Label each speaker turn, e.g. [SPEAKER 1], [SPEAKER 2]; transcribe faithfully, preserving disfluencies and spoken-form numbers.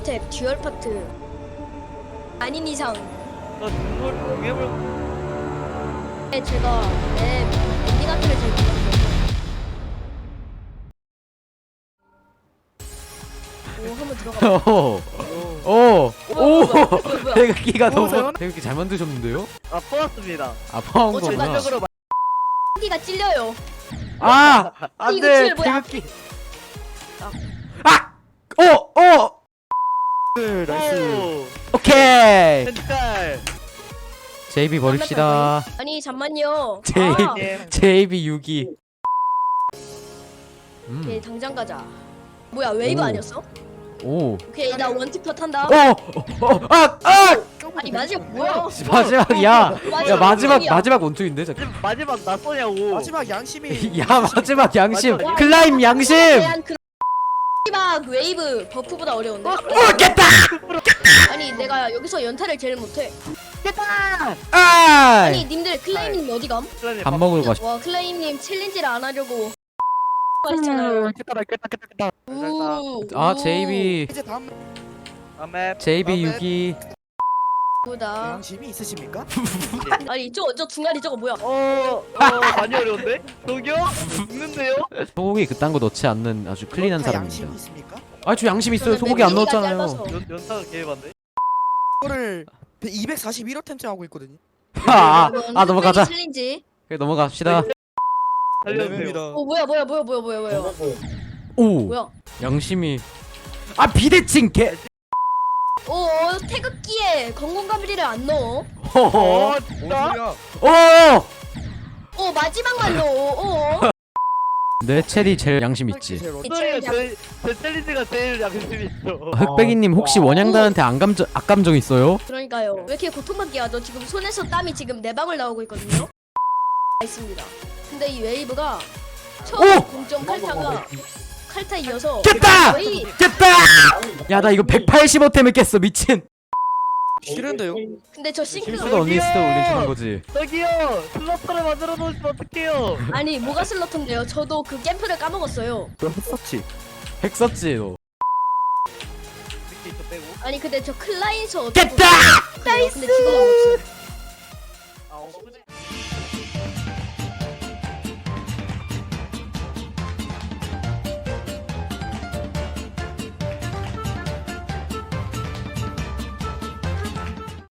[SPEAKER 1] 스텝 듀얼 파트 아닌 이상
[SPEAKER 2] 나 중골 공예물
[SPEAKER 1] 네, 제가 내 엔딩 아트를 제일 좋아해요. 오 한번 들어가.
[SPEAKER 3] 오, 오, 오,
[SPEAKER 1] 뭐야, 뭐야.
[SPEAKER 3] 태극기가 너무
[SPEAKER 4] 뭐세요?
[SPEAKER 3] 태극기 잘 만드셨는데요?
[SPEAKER 2] 아 뽑았습니다.
[SPEAKER 3] 아 파운
[SPEAKER 1] 어,
[SPEAKER 3] 거구나.
[SPEAKER 2] 전반적으로
[SPEAKER 1] 기가 찔려요.
[SPEAKER 3] 아,
[SPEAKER 1] 이거
[SPEAKER 3] 안돼
[SPEAKER 1] 칠 뭐야?
[SPEAKER 3] 태극기. 아, 오, 오,
[SPEAKER 4] 나이스.
[SPEAKER 3] 오케이.
[SPEAKER 2] 펜칼.
[SPEAKER 3] 제이비 버립시다.
[SPEAKER 1] 아니 잠만요.
[SPEAKER 3] 제이
[SPEAKER 1] 아,
[SPEAKER 2] 예.
[SPEAKER 3] 제이비 육 위.
[SPEAKER 1] 오케이
[SPEAKER 3] 음,
[SPEAKER 1] 당장 가자. 뭐야 웨이브
[SPEAKER 3] 오.
[SPEAKER 1] 아니었어?
[SPEAKER 3] 오,
[SPEAKER 1] 오케이 나 원티컷 한다.
[SPEAKER 3] 오, 오, 어, 아, 아,
[SPEAKER 1] 아니 마지막 뭐야?
[SPEAKER 3] 마지막이야. 야 마지막
[SPEAKER 1] 마지막이야.
[SPEAKER 3] 마지막 원투인데 잠깐.
[SPEAKER 2] 마지막 나 쏘냐고.
[SPEAKER 4] 마지막 양심이.
[SPEAKER 3] 야 마지막 양심
[SPEAKER 2] 마지막
[SPEAKER 3] 클라임 양심.
[SPEAKER 1] 대한 그 마지막 웨이브 버프보다 어려운데?
[SPEAKER 3] 오 깼다.
[SPEAKER 1] 아니 내가 여기서 연타를 제일 못해.
[SPEAKER 3] 아,
[SPEAKER 1] 아니 님들 클라임님 어디감?
[SPEAKER 3] 밥 먹으러 가시.
[SPEAKER 1] 와 클라임님 챌린지를 안 하려고 하시잖아요.
[SPEAKER 2] 깼다 깼다 깼다 깼다.
[SPEAKER 1] 우,
[SPEAKER 3] 아
[SPEAKER 1] 우,
[SPEAKER 3] 제이비
[SPEAKER 4] 이제 다음
[SPEAKER 2] 다음에
[SPEAKER 3] 제이비 육 위.
[SPEAKER 1] 우다.
[SPEAKER 4] 양심이 있으십니까?
[SPEAKER 1] 아니 저 저 중간이 저거 뭐야?
[SPEAKER 2] 어, 어 많이 어려운데? 저기요? 죽는데요?
[SPEAKER 3] 소고기 그딴 거 넣지 않는 아주 클린한
[SPEAKER 4] 다
[SPEAKER 3] 사람입니다.
[SPEAKER 4] 양심이 있습니까?
[SPEAKER 3] 아 저 양심 있어요.
[SPEAKER 1] 저는
[SPEAKER 3] 소고기 안
[SPEAKER 1] 맵기가
[SPEAKER 3] 넣었잖아요.
[SPEAKER 1] 짧아서.
[SPEAKER 2] 연 연타가 개반데?
[SPEAKER 4] 이거를 이백사십일 템째 하고 있거든요.
[SPEAKER 3] 아, 아,
[SPEAKER 1] 이건
[SPEAKER 3] 아 넘어가자.
[SPEAKER 1] 흑백이 챌린지.
[SPEAKER 3] 그래 넘어갑시다.
[SPEAKER 2] 살려주세요.
[SPEAKER 1] 어 뭐야 뭐야 뭐야 뭐야 뭐야 뭐야
[SPEAKER 3] 오
[SPEAKER 1] 뭐야?
[SPEAKER 3] 양심이. 아 비대칭 개.
[SPEAKER 1] 오 어, 태극기에 건공감리를 안 넣어.
[SPEAKER 3] 허허.
[SPEAKER 2] 어, 진짜?
[SPEAKER 3] 오.
[SPEAKER 1] 오 마지막만 넣어. 오.
[SPEAKER 3] 내 체리 제일 양심 있지.
[SPEAKER 4] 제일 어려운-
[SPEAKER 2] 소리가 제일 제 챌린지가 제일 양심 있어.
[SPEAKER 3] 흑백이님 혹시 원양단한테 안감정 악감정 있어요?
[SPEAKER 1] 그러니까요. 왜 이렇게 고통받게 하죠? 지금 손에서 땀이 지금 네 방울 나오고 있거든요. 있습니다. 근데 이 웨이브가 처음
[SPEAKER 3] 오!
[SPEAKER 1] 공점 칼타가 칼타 이어서
[SPEAKER 3] 깼다!
[SPEAKER 1] 거의
[SPEAKER 3] 깼다! 야 나 이거 백팔십오 템을 깼어 미친.
[SPEAKER 4] 싫은데요?
[SPEAKER 1] 근데 저 싱크가
[SPEAKER 3] 수가 언니 스터 올려주는 거지.
[SPEAKER 2] 저기요 슬러터를 만들어 놓으시면 어떡해요?
[SPEAKER 1] 아니 뭐가 슬러터인데요? 저도 그 캠프를 까먹었어요.
[SPEAKER 4] 그럼 했었지.
[SPEAKER 3] 핵 썼지 너.
[SPEAKER 2] 이렇게 이거 빼고.
[SPEAKER 1] 아니 근데 저 클라인서
[SPEAKER 3] 깼다!
[SPEAKER 1] 나이스. 근데 지금 없어요.